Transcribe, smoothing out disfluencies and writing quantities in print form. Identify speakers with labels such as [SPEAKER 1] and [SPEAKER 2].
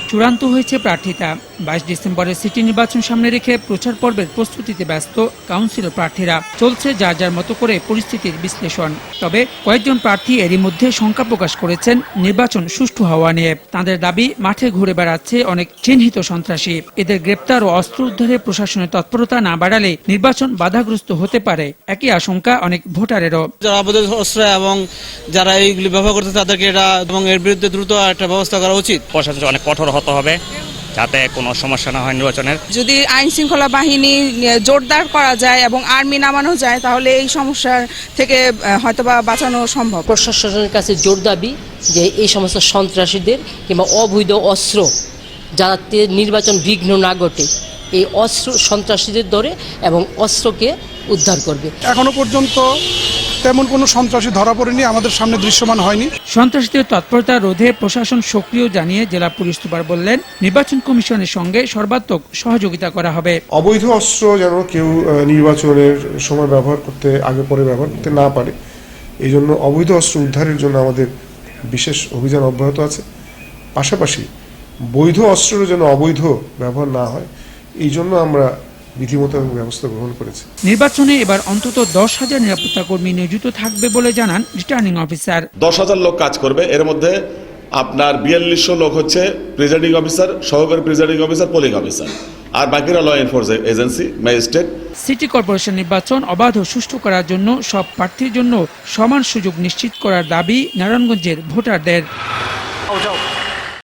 [SPEAKER 1] চূড়ান্ত হয়েছে প্রার্থিতা। 22 ডিসেম্বরের সিটি নির্বাচন সামনে রেখে প্রচার পর্বের প্রস্তুতিতে ব্যস্ত কাউন্সিলর প্রার্থীরা। চলছে যার যার মতো করে পরিস্থিতির বিশ্লেষণ। তবে কয়েকজন প্রার্থী এরই মধ্যে শঙ্কা প্রকাশ করেছেন নির্বাচন সুষ্ঠু হওয়া নিয়ে। তাদের দাবি, মাঠে ঘুরে বেড়াচ্ছে অনেক চিহ্নিত সন্ত্রাসী। এদের গ্রেপ্তার ও অস্ত্র উদ্ধারে প্রশাসনের তৎপরতা না বাড়ালে নির্বাচন বাধাগ্রস্ত হতে পারে, একই আশঙ্কা অনেক ভোটারেরও।
[SPEAKER 2] যারা অবৈধ অস্ত্র এবং যারা এইগুলি ব্যবহার করতে তাদেরকে এটা এবং এর বিরুদ্ধে দ্রুত একটা ব্যবস্থা করা উচিত।
[SPEAKER 3] প্রশাসন অনেক কঠোর হতে হবে যাতে কোনো সমস্যা না হয় নির্বাচনের।
[SPEAKER 4] যদি আইন শৃঙ্খলা বাহিনী জোরদার করা যায় এবং আর্মি নামানো যায় তাহলে এই সমস্যার থেকে হয়তোবা বাঁচানো সম্ভব।
[SPEAKER 5] প্রশাসনের কাছে জোর দাবি যে এই সমস্ত সন্ত্রাসীদের কিংবা অবৈধ অস্ত্র যাতে নির্বাচন বিঘ্ন না ঘটে, এই অস্ত্র সন্ত্রাসীদের ধরে এবং অস্ত্রকে উদ্ধার করবে।
[SPEAKER 6] এখনো পর্যন্ত তেমন কোনো সন্ত্রাসী ধরা পড়েনি, আমাদের সামনে দৃশ্যমান হয়নি।
[SPEAKER 1] সন্ত্রাসীদের তৎপরতা রোধে প্রশাসন সক্রিয় জানিয়ে জেলা পুলিশ সুপার বললেন, নির্বাচন কমিশনের সঙ্গে সর্বাত্মক সহযোগিতা করা হবে।
[SPEAKER 7] অবৈধ অস্ত্র যেন কেউ নির্বাচনের সময় ব্যবহার করতে, আগে পরে ব্যবহার করতে না পারে, এই জন্য অবৈধ অস্ত্র উদ্ধারের জন্য আমাদের বিশেষ অভিযান অব্যাহত আছে। পাশাপাশি বৈধ অস্ত্রেরও যেন অবৈধ ব্যবহার না হয়, এই জন্য আমরা বিধিমতো ব্যবস্থা গ্রহণ করেছি।
[SPEAKER 1] নির্বাচনে এবার অন্তত 10,000 নিরাপত্তা কর্মী নিয়োজিত থাকবে বলে জানান রিটার্নিং অফিসার।
[SPEAKER 8] 10,000 লোক কাজ করবে। এর মধ্যে আপনার 4200 লোক হচ্ছে প্রিজাইডিং অফিসার, সহকারী প্রিজাইডিং অফিসার, পোলিং অফিসার, আর বাকিরা law enforcement agency, magistrate. City
[SPEAKER 1] corporation নির্বাচন অবাধ ও সুষ্ঠু করার জন্য সব প্রার্থীর জন্য সমান সুযোগ নিশ্চিত করার দাবি নারায়ণগঞ্জের ভোটারদের।